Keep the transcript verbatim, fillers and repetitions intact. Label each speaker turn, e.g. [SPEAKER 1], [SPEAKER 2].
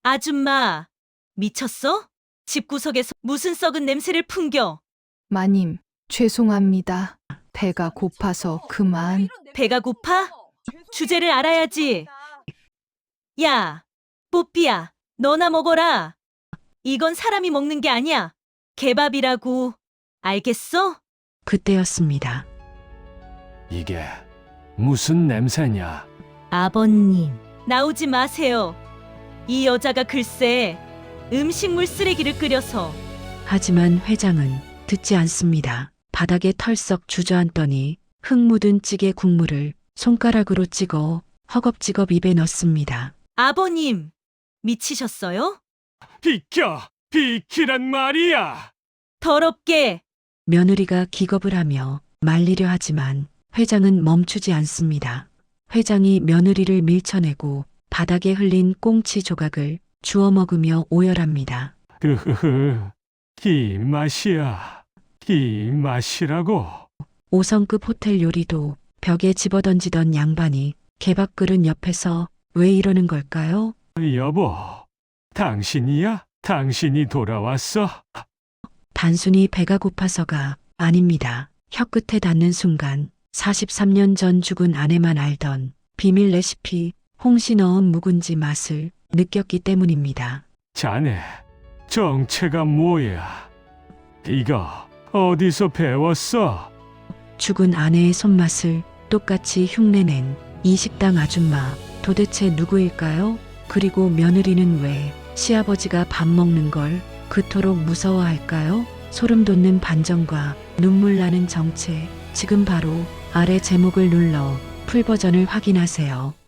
[SPEAKER 1] 아줌마, 미쳤어? 집구석에서 무슨 썩은 냄새를 풍겨?
[SPEAKER 2] 마님, 죄송합니다. 배가 고파서 그만.
[SPEAKER 1] 배가 고파? 주제를 알아야지. 야, 뽀삐야, 너나 먹어라. 이건 사람이 먹는 게 아니야. 개밥이라고. 알겠어?
[SPEAKER 3] 그때였습니다.
[SPEAKER 4] 이게 무슨 냄새냐?
[SPEAKER 1] 아버님, 나오지 마세요. 이 여자가 글쎄 음식물 쓰레기를 끓여서.
[SPEAKER 3] 하지만 회장은 듣지 않습니다. 바닥에 털썩 주저앉더니 흙 묻은 찌개 국물을 손가락으로 찍어 허겁지겁 입에 넣습니다.
[SPEAKER 1] 아버님, 미치셨어요?
[SPEAKER 4] 비켜! 비키란 말이야!
[SPEAKER 1] 더럽게.
[SPEAKER 3] 며느리가 기겁을 하며 말리려 하지만 회장은 멈추지 않습니다. 회장이 며느리를 밀쳐내고 바닥에 흘린 꽁치 조각을 주워 먹으며 오열합니다.
[SPEAKER 4] 으흐흐, 이 맛이야. 이 맛이라고.
[SPEAKER 3] 오 성급 호텔 요리도 벽에 집어던지던 양반이 개밥 그릇 옆에서 왜 이러는 걸까요?
[SPEAKER 4] 여보, 당신이야? 당신이 돌아왔어?
[SPEAKER 3] 단순히 배가 고파서가 아닙니다. 혀끝에 닿는 순간 사십삼 년 전 죽은 아내만 알던 비밀 레시피 홍시 넣은 묵은지 맛을 느꼈기 때문입니다.
[SPEAKER 4] 자네, 정체가 뭐야? 이거 어디서 배웠어?
[SPEAKER 3] 죽은 아내의 손맛을 똑같이 흉내낸 이 식당 아줌마 도대체 누구일까요? 그리고 며느리는 왜 시아버지가 밥 먹는 걸 그토록 무서워할까요? 소름 돋는 반전과 눈물 나는 정체. 지금 바로 아래 제목을 눌러 풀버전을 확인하세요.